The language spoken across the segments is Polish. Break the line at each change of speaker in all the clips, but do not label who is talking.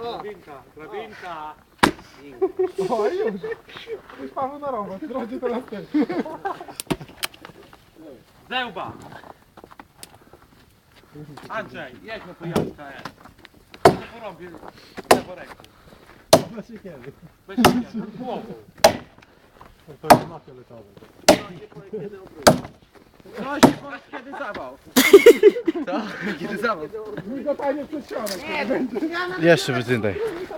Drabinka, drabinka.
O, już Paweł na robot, drodzy teraz też.
Zełba. Andrzej, jedź na pojazka, nie porobię lewą ręką.
Bez siekiery.
Bez siebie, głową.
To jest na fioletowe.
No się powiedz kiedy zawał.
Co? Kiedy zawał?
Mi go panie przed środek.
Jeszcze wycyndaj.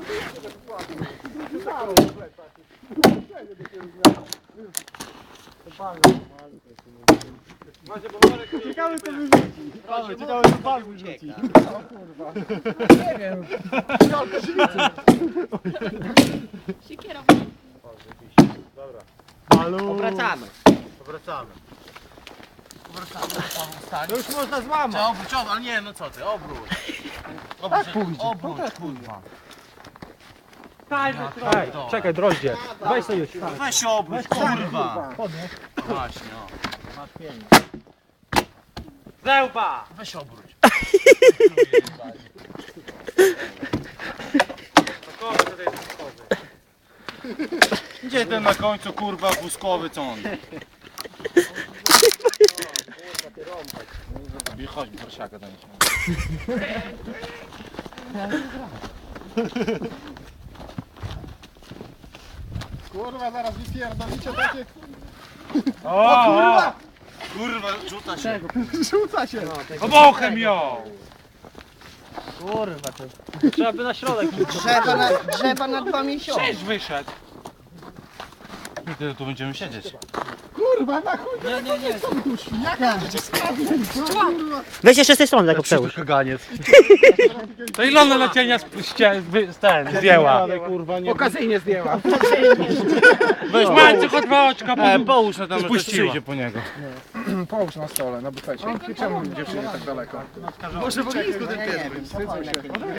Ciekawe co wyrzuci. Ciekawe co pan wyrzuci. O kurwa. Nie wiem.
Siekierą.
Malu.
Obracamy.
To już można złamać.
Trzeba obróć, ale nie, no co ty, obróć. Obróć, obróć, kurwa.
Ej,
Czekaj, droździe. Weź sobie już.
Weź się obróć, kurwa.
Podnieś.
Właśnie, o.
Masz pięć.
Zełba.
Weź się obróć.
Takowy tutaj jest takowy.
Gdzie ten na końcu, kurwa, wózkowy, co on? Chodź, prosiaka daj się.
Kurwa, zaraz wypierdolicie takie...
O,
kurwa!
Kurwa, rzuca się.
Rzuca się.
Obochem ją.
Kurwa to...
Trzeba by na środek.
Drzewa na 2 miesiące.
Cześć wyszedł.
I tyle tu będziemy siedzieć.
Kurwa, na chuj! Nie. Jaka kurwa!
Weź jeszcze z tej strony tak przełóż.
Kaganiec.
To Ilona lecienia zdjęła.
Kurwa, nie. Okazyjnie zdjęła.
Weź Mańcu, chodź oczka.
Połóż na tam,
Spuściła.
przyjdzie po niego.
Połóż na stole, na bufecie. Czemu dziewczyny tak daleko?
Może w ognisku ten pies.